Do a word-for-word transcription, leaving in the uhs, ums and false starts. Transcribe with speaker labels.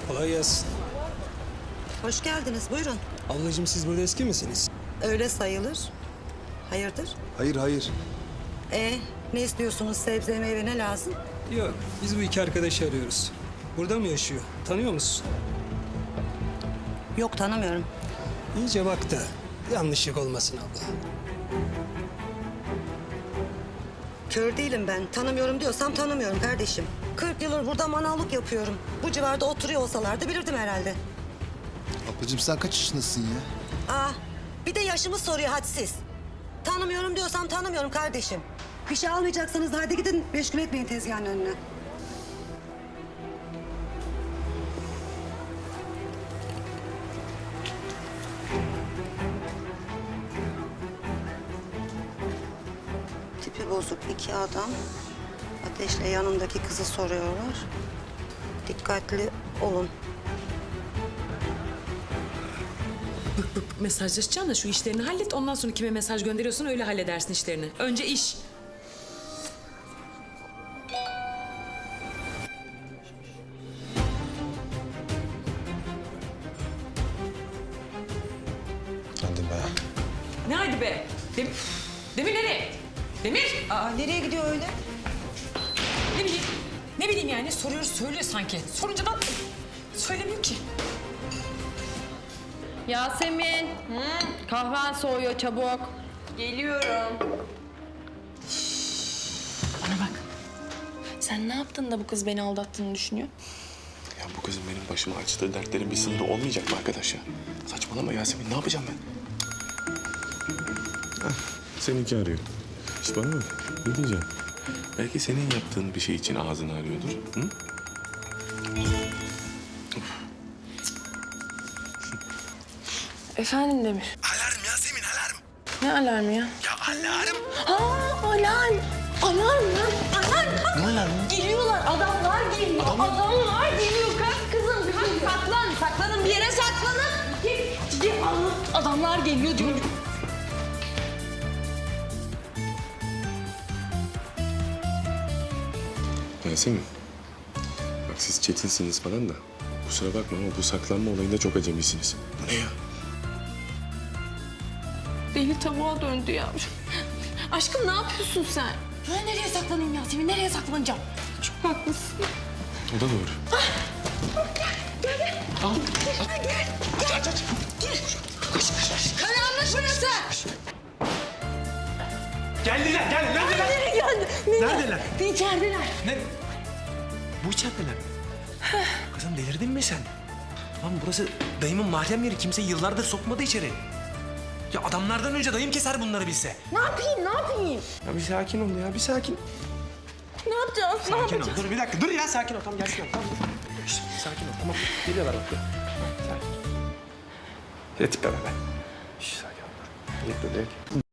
Speaker 1: Kolay gelsin.
Speaker 2: Hoş geldiniz, buyurun.
Speaker 1: Ablacığım siz burada eski misiniz?
Speaker 2: Öyle sayılır. Hayırdır?
Speaker 3: Hayır, hayır.
Speaker 2: E ne istiyorsunuz? Sebze, meyve ne lazım?
Speaker 1: Yok, biz bu iki arkadaşı arıyoruz. Burada mı yaşıyor? Tanıyor musun?
Speaker 2: Yok, tanımıyorum.
Speaker 1: İyice bak da yanlışlık olmasın abla.
Speaker 2: Kör değilim ben. Tanımıyorum diyorsam tanımıyorum kardeşim. kırk yıldır burada manavlık yapıyorum. Bu civarda oturuyor olsalardı bilirdim herhalde.
Speaker 3: Ablacığım sen kaç yaşındasın ya?
Speaker 2: Aa, bir de yaşımı soruyor hadsiz. Tanımıyorum diyorsam tanımıyorum kardeşim. Bir şey almayacaksanız hadi gidin meşgul etmeyin tezgahın önüne. Tipi bozuk iki adam. Ateşle yanındaki kızı soruyorlar. Dikkatli olun.
Speaker 4: Mesajlaşacaksın da şu işlerini hallet. Ondan sonra kime mesaj gönderiyorsan öyle halledersin işlerini. Önce iş.
Speaker 3: Hadi be.
Speaker 4: Ne hadi be? Dem Demir nereye? Demir!
Speaker 2: Aa, nereye gidiyor öyle?
Speaker 4: Ne bileyim. Ne bileyim yani soruyoruz söylüyor sanki. Sorunca da söylemiyor ki.
Speaker 5: Yasemin, kahven soğuyor çabuk. Geliyorum. Bana bak. Sen ne yaptın da bu kız beni aldattığını düşünüyor?
Speaker 6: Ya bu kızın benim başıma açtığı dertlerin bir sınırı olmayacak mı arkadaş ya? Saçmalama Yasemin, ne yapacağım ben? Heh, seninki arıyor. İşte bana bak, ne diyeceğim? Belki senin yaptığın bir şey için ağzını arıyordur. Hı?
Speaker 5: Efendim Demir.
Speaker 6: Alarm Yasemin, alarm.
Speaker 5: Ne alarmı ya?
Speaker 6: Ya alarm.
Speaker 5: Ha alarm. Alarm lan. Alarm.
Speaker 6: Ne alarmı?
Speaker 5: Geliyorlar. Adamlar geliyor. Adamlar geliyor. Kalk kızım. Kalk saklan. Saklanın bir yere saklanın. Gel. Gel. Adamlar geliyor diyorum.
Speaker 6: Yasemin, bak siz çetinsiniz falan da kusura bakma ama bu saklanma olayında çok acemisiniz. Bu ne ya?
Speaker 5: Deli tavuğa döndü ya. Aşkım ne yapıyorsun sen? Ben nereye saklanayım Yasemin? Nereye saklanacağım? Çok haklısın.
Speaker 6: O da doğru.
Speaker 5: Karanlık burası.
Speaker 7: Geldiler, gel. Neredeler?
Speaker 5: Nereye geldi?
Speaker 7: Neredeler?
Speaker 5: İçerideler.
Speaker 7: Ne? Bu içerideler. Kızım delirdin mi sen? Lan burası dayımın mahrem yeri. Kimse yıllardır sokmadı içeri. Ya adamlardan önce dayım keser bunları bilse.
Speaker 5: Ne yapayım? Ne yapayım?
Speaker 6: Ya bir sakin ol ya, bir sakin.
Speaker 5: Ne yapacağız? Ne
Speaker 7: Sakin ol.
Speaker 5: yapacağız?
Speaker 7: Dur bir dakika, dur ya sakin ol. Tamam gelsinler. Tamam. Şişt, sakin ol, tamam. Geliyorlar bak. Dur. Sakin. Ya tipe be ben. Şişt, sakin ol. Dur. Dur, dur.